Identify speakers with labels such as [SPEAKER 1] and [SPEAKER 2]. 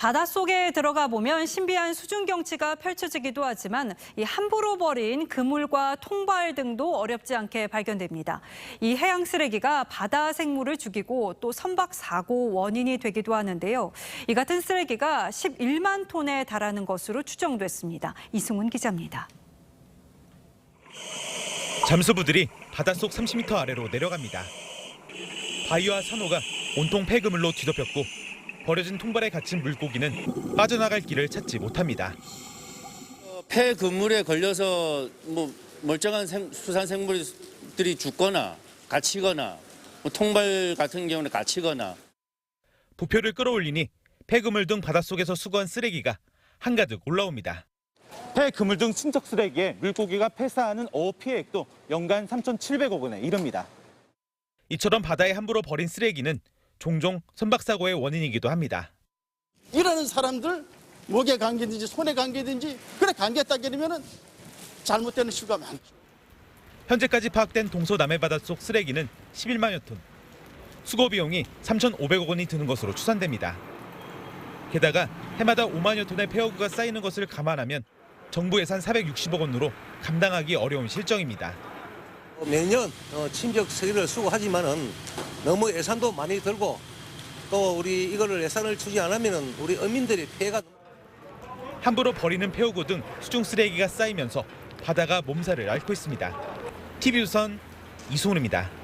[SPEAKER 1] 바닷속에 들어가 보면 신비한 수중 경치가 펼쳐지기도 하지만 이 함부로 버린 그물과 통발 등도 어렵지 않게 발견됩니다. 이 해양 쓰레기가 바다 생물을 죽이고 또 선박 사고 원인이 되기도 하는데요. 이 같은 쓰레기가 11만 톤에 달하는 것으로 추정됐습니다. 이승훈 기자입니다.
[SPEAKER 2] 잠수부들이 바닷속 30m 아래로 내려갑니다. 바위와 산호가 온통 폐그물로 뒤덮였고 버려진 통발에 갇힌 물고기는 빠져나갈 길을 찾지 못합니다.
[SPEAKER 3] 폐그물에 걸려서 멀쩡한 수산 생물들이 죽거나 갇히거나 통발 같은 경우는 갇히거나.
[SPEAKER 2] 부표를 끌어올리니 폐그물 등 바닷속에서 수거한 쓰레기가 한가득 올라옵니다.
[SPEAKER 4] 폐그물 등 친척 쓰레기에 물고기가 폐사하는 어업 피해액도 연간 3,700억 원에 이릅니다.
[SPEAKER 2] 이처럼 바다에 함부로 버린 쓰레기는 종종 선박사고의 원인이기도 합니다.
[SPEAKER 5] 일하는 사람들 목에 감기든지 손에 감기든지 그래 감기했다 그러면은 잘못되는 수가 많죠.
[SPEAKER 2] 현재까지 파악된 동서남해 바닷속 쓰레기는 11만여 톤. 수거 비용이 3,500억 원이 드는 것으로 추산됩니다. 게다가 해마다 5만여 톤의 폐허구가 쌓이는 것을 감안하면 정부 예산 460억 원으로 감당하기 어려운 실정입니다.
[SPEAKER 6] 매년 친적 쓰레기를 수거하지만은 너무 예산도 많이 들고 또 우리 이거를 예산을 주지 않으면은 우리 어민들의 피해가
[SPEAKER 2] 함부로 버리는 폐허구 등 수중 쓰레기가 쌓이면서 바다가 몸살을 앓고 있습니다. TV조선 이승훈입니다.